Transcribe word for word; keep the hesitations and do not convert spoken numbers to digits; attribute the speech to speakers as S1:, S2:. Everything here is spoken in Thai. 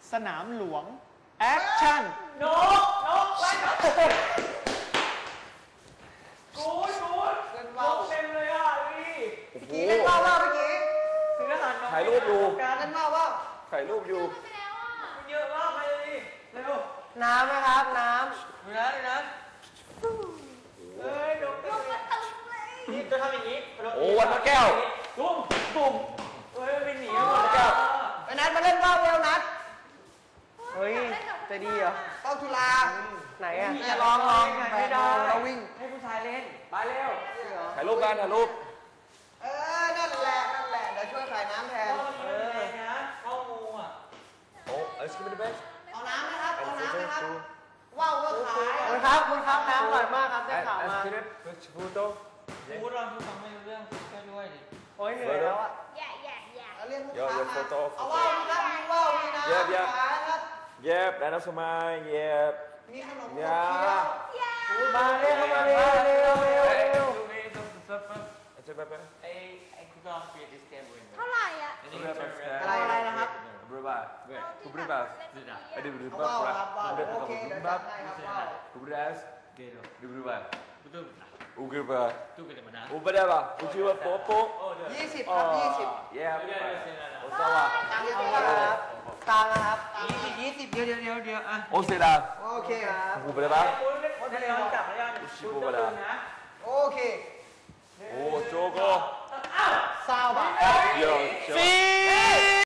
S1: สนามหลวงแอคชั่น
S2: นกนกไว้นกกูดกูดนกเต็มเลยอ่ะพี่
S3: เมื่อกี้เล่นว่าวว่าเมื่อกี้
S2: ซื้ออาหารนก
S4: ถ่ายรูปอยู่
S3: การเล่นว่าวว่า
S4: ถ่ายรูปอยู่
S2: มันเยอะมากไปเลยดิเร็ว
S3: น้ำนะครับน้
S2: ดูนะดูนะเอ้ยนกนกมันตึงเลยนี่จะทำอย่างนี้
S4: โอ้วันมาแก้ว
S2: ตุ้มตุ้มเฮ้ยมันหนีหมด
S4: แก้ว
S3: ำไปนัดมาเล่นว่าวเร็วนัดเฮ้ยจะดีเหรอเป้าจุฬาไหนอ่ะลองลองไม่ได้เราวิ่ง
S2: ให้ผู้ชายเล่นไปเร็ว
S4: ถ่ายรูปกันถ่ายรูป
S3: เออนั่นแหละนั่นแหละเดี๋ยวช่วยขายน้ำแทน
S2: เออนะเข้างูอ่ะ
S4: โอ้เอสกินเบส
S3: เอาน้ำนะครับเอาน้ำนะครับว่าวก็ขายคุณครับคุณครับน้ำอร่อยมากครับได้ข่าวมา
S4: เอสพูโต้
S2: พูดเราพูดฟังไม่รู้เรื่องก็ด้วยดิ
S3: โอ้ยเหนื่อยแล้วอ่ะ
S5: อย่าอย่าอย่า
S3: เอาเรียกลูกค้ามาเอาว่าวนะครับมีว่าวมีน้ำขายครับ
S4: เย็บแล้วน้ำสมัยเย็บ
S3: มีขนม
S4: ยา
S3: มาเร็วมาเร็วเร็วเร็วเร็ว
S2: ดูนี่ต้องซับปั๊บ
S4: เจ็บแบบ
S2: ไอ้ไอ้คุณก็เปลี่ยนดิสเกมเว้ย
S5: เท่าไหร่อ่ะ
S3: อะไรอะไรนะครับ
S4: บริบาเว้ยกูบริบาไอ้ดิบริ
S3: เอา
S4: บา
S3: ว่าวครับว่าว
S4: บริบา
S3: โอเคเดี๋ยว
S4: บา
S3: จัดให้ครับว่าว
S4: กูบริบาเกโรดิบริบา
S2: betul
S4: อูกริบา
S2: itu kita mana
S4: อูบริบาอูชิวะโป๊ะโป๊ะ
S2: oh dia
S3: ยี่สิบครับยี่สิบ
S4: เย็บ
S2: dia dia sini
S4: โอซาวะ
S3: ตังค์เอาครับตังค์นะครับยี่สิบยี่สิบ
S2: เดี๋ยวเดี๋ยวเดี๋ยวเดี๋ยวอ่ะ
S4: โอเซดา
S3: โอเคครับ
S4: กูบริบา
S2: คุณเล่นคนเดียวจับแล้วยังคุณจะตื่นนะ
S3: โอเค
S4: โอ้โจโก
S3: ซาวบะ
S4: โย
S1: ฟี